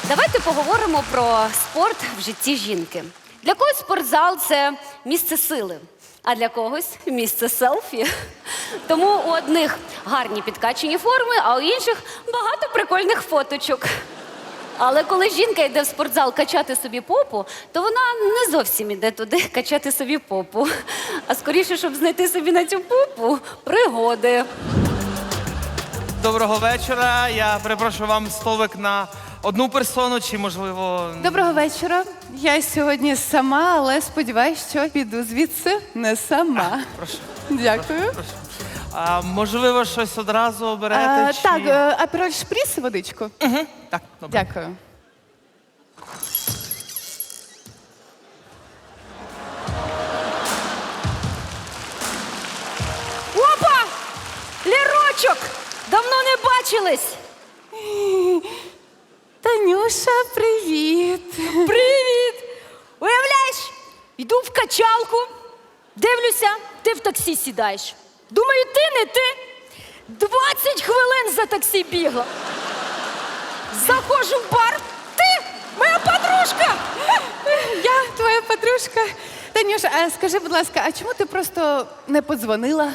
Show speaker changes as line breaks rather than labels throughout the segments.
Давайте поговоримо про спорт в житті жінки. Для когось спортзал – це місце сили, а для когось – місце селфі. Тому у одних гарні підкачені форми, а у інших багато прикольних фоточок. Але коли жінка йде в спортзал качати собі попу, то вона не зовсім іде туди качати собі попу. А скоріше, щоб знайти собі на цю попу пригоди.
Доброго вечора. Я перепрошую, вам столик на одну персону чи, можливо...
Доброго вечора. Я сьогодні сама, але сподіваюся, що піду звідси не сама.
Прошу.
Дякую.
Прошу. Можливо, щось одразу оберете? Чи...
Так, апероль шпріс, водичку.
Угу. Так, добре.
Дякую.
Опа! Лірочок! Давно не бачились!
Танюша, привіт.
Привіт! Уявляєш, йду в качалку, дивлюся, ти в таксі сідаєш. Думаю, ти не ти. 20 хвилин за таксі бігла. Заходжу в бар, ти моя подружка!
Я твоя подружка. Танюша, а скажи, будь ласка, а чому ти просто не подзвонила?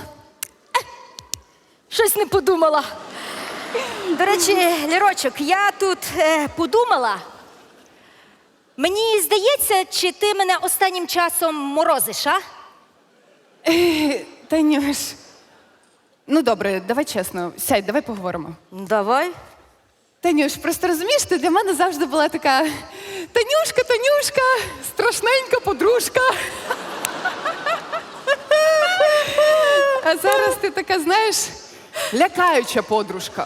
Щось не подумала. До речі, Лірочок, я тут подумала. Мені здається, чи ти мене останнім часом морозиш, а?
Танюш, ну добре, давай чесно, сядь, давай поговоримо.
Давай.
Танюш, просто розумієш, ти для мене завжди була така Танюшка, страшненька подружка. А зараз ти така, знаєш, лякаюча подружка.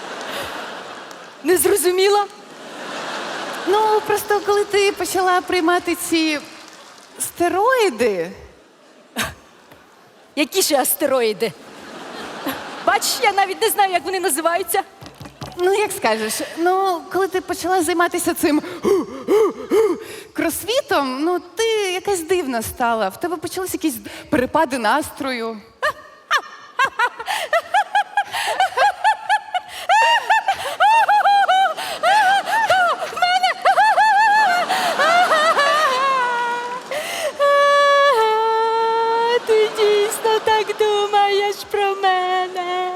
Не зрозуміла?
Ну, просто коли ти почала приймати ці стероїди.
Які ще астероїди? Бачиш, я навіть не знаю, як вони називаються.
Ну, як скажеш, ну, коли ти почала займатися цим кросфітом, ну, ти якась дивна стала. В тебе почалися якісь перепади настрою.
Ти дійсно так думаєш про мене.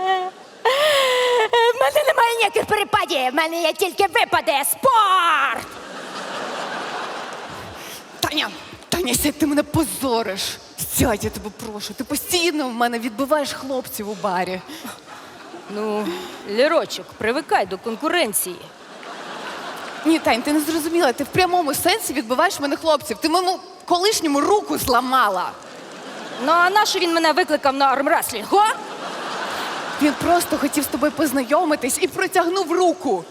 В мене немає ніяких перепадів, в мене є тільки випади. Спорт!
Таня, сядь, ти мене позориш. Сядь, я тебе прошу. Ти постійно в мене відбиваєш хлопців у барі.
Ну, Лірочок, привикай до конкуренції.
Ні, Тань, ти не зрозуміла. Ти в прямому сенсі відбиваєш в мене хлопців. Ти моєму колишньому руку зламала.
Ну, а нащо він мене викликав на армреслінг, о?
Він просто хотів з тобою познайомитись і протягнув руку.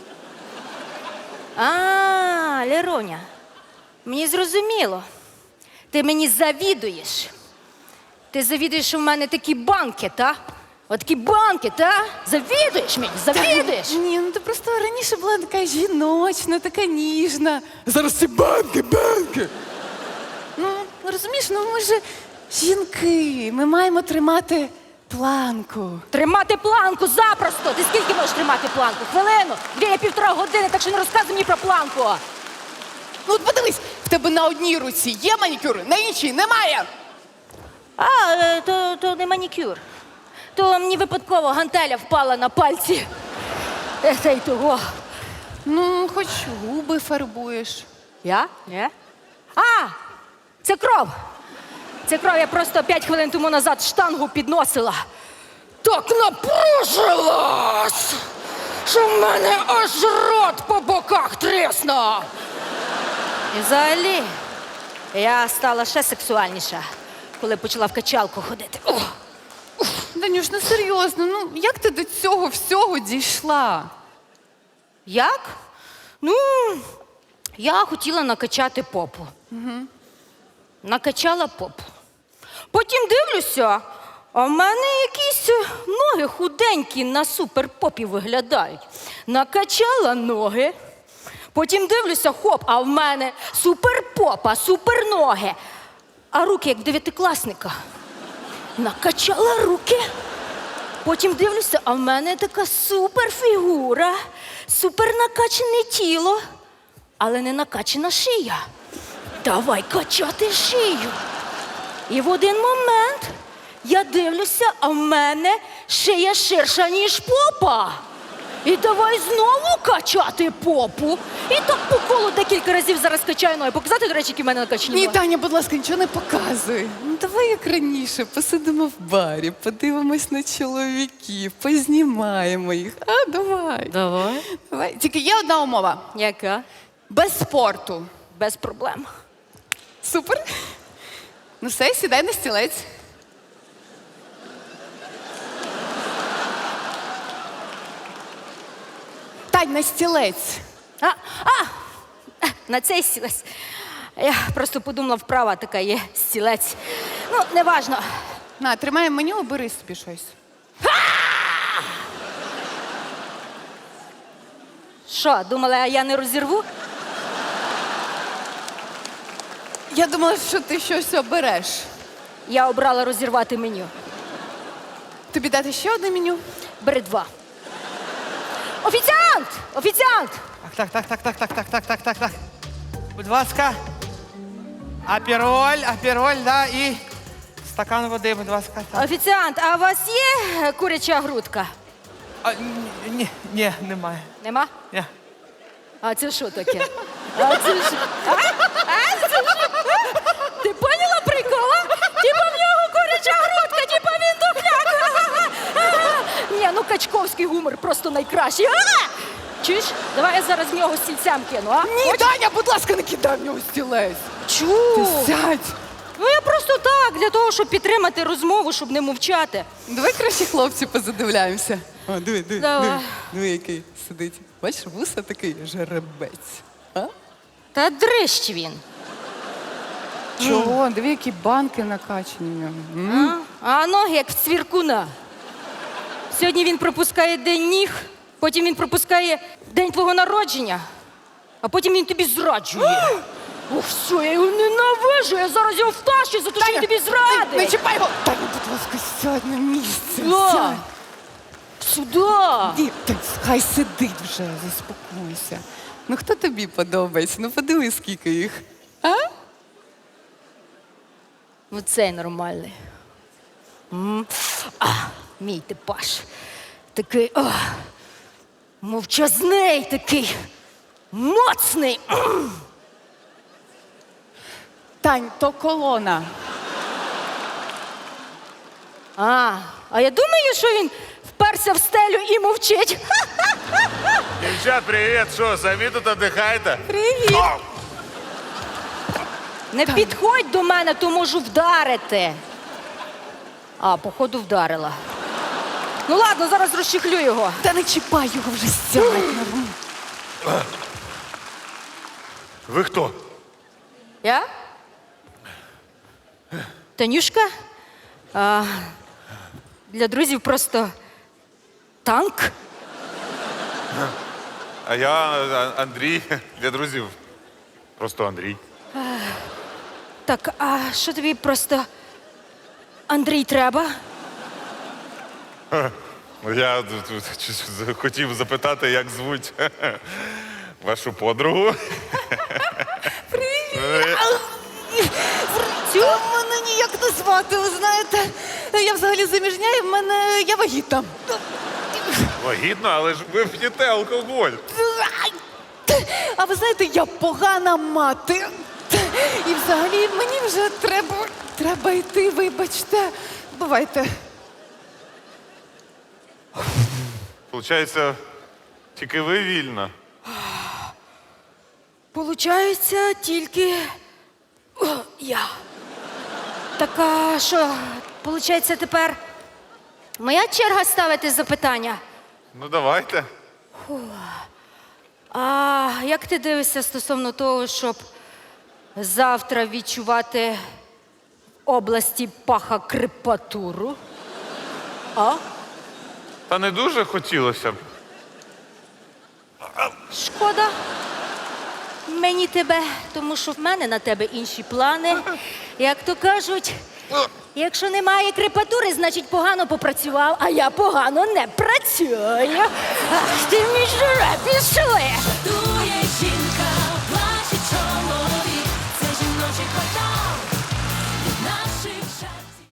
А, Ліроня, мені зрозуміло. Ти мені завідуєш. Ти завідуєш, що в мене такі банки, та? Отакі банки, та? Завідуєш мені, завідуєш.
Ні, ну ти просто раніше була така жіночна, така ніжна. Зараз ці банки. Ну, розумієш, ну ми ж жінки, ми маємо тримати планку.
Тримати планку запросто. Ти скільки можеш тримати планку? Хвилину, 2-1,5 години, так що не розказуй мені про планку.
Ну от подивись, в тебе на одній руці є манікюр, на іншій немає.
А, то не манікюр. То мені випадково гантеля впала на пальці. Та й того.
Ну, хоч губи фарбуєш.
Я? Ні. А, це кров. Це кров, я просто 5 хвилин тому назад штангу підносила. Так напружилась, що в мене аж рот по боках тріснув. І взагалі, я стала ще сексуальніша, коли почала в качалку ходити. О!
Данюш, ну серйозно, ну як ти до цього всього дійшла?
Як? Ну, я хотіла накачати попу. Накачала попу. Потім дивлюся, а в мене якісь ноги худенькі на суперпопі виглядають. Накачала ноги. Потім дивлюся, хоп, а в мене суперпопа, суперноги. А руки, як в 9-класника. Накачала руки. Потім дивлюся, а в мене така суперфігура, супернакачане тіло.
але не накачана шия. Давай качати шию. І в один момент я дивлюся, а в мене шия ширша, ніж попа. І давай знову качати попу. І так по колу декілька разів зараз качаю ноги. Показати, до речі, які в мене накачані
Ні,
ноги?
Таня, будь ласка, нічого не показуй. Ну, давай як раніше, посидимо в барі, подивимось на чоловіків, познімаємо їх. А, давай.
Давай.
Давай. Тільки є одна умова.
Яка?
Без спорту.
Без проблем.
Супер. Ну все, сідай на стілець. Тань, на стілець.
На цей стілець. Я просто подумала, вправа така є стілець. Ну, неважно.
На, тримай меню, бери собі щось.
Що, думала, я не розірву?
Я думала, що ти щось обереш.
Я обрала розірвати меню.
Тобі дати ще одне меню?
Бери 2. Офіціант! Офіціант!
Так. Будь ласка. Апероль, да, і стакан води, будь ласка. Так.
Офіціант, а у вас є куряча грудка?
Ні, немає.
Нема?
Ні.
А це що таке? А це що? Це що? Ти поняла прикола? Типа в нього куряча грудка, типа він духляк. Ні, ну качковський гумор просто найкращий. Чуєш? Давай я зараз в нього стільцям кину, а?
Ні, Таня, будь ласка, не кидай в нього стілець.
Чу?
Ти сядь.
Ну я просто так, для того, щоб підтримати розмову, щоб не мовчати.
Давай краще хлопці позадивляємося. О, диви,
Давай.
диви, який сидить. Бачиш, вуса такий жеребець. А?
Та дрищ він.
Чого? Диви, які банки накачані в нього.
А ноги як в цвіркуна. Сьогодні він пропускає день ніг, потім він пропускає день твого народження, а потім він тобі зраджує. Ох, все, я його ненавижу, я зараз його втащу за те, що він тобі
Не
зрадить.
чіпай його! Таня, будь ласка, сядь на місце.
Да.
Сядь.
Сюди.
Ні, так хай сидить вже, заспокойся. Ну хто тобі подобається? Ну подивись, скільки їх. А?
Ну цей нормальний. Мій типаж. Такий, мовчазний такий, моцний.
Тань, то колона.
А я думаю, що він вперся в стелю і мовчить.
Девчат, привет! Что, сами тут отдыхаете?
Привіт.
Не підходь до мене, то можу вдарити. Походу, вдарила. Ну ладно, зараз розчехлю його.
Та не чіпай його вже, сядь.
Вы кто?
Я? Танюшка? Для друзів просто танк.
А я Андрій. Для друзів. Просто Андрій.
Так, а що тобі просто Андрій треба?
Я хотів запитати, як звуть вашу подругу.
Цю мене ніяк не звати, ви знаєте. Я взагалі заміжня і я вагітна.
Вагітно, але ж ви п'єте алкоголь.
А ви знаєте, я погана мати. І взагалі мені вже треба йти, вибачте. Бувайте.
Получається, тільки ви вільна.
Получається тільки я. Так а що, получається тепер моя черга ставити запитання?
Ну, давайте.
А як ти дивишся стосовно того, щоб завтра відчувати в області паха крепатуру?
Та не дуже хотілося б.
Шкода мені тебе, тому що в мене на тебе інші плани. Як то кажуть, якщо немає крепатури, значить погано попрацював, а я погано не працюю. Ах, ти мій жереб, пішли!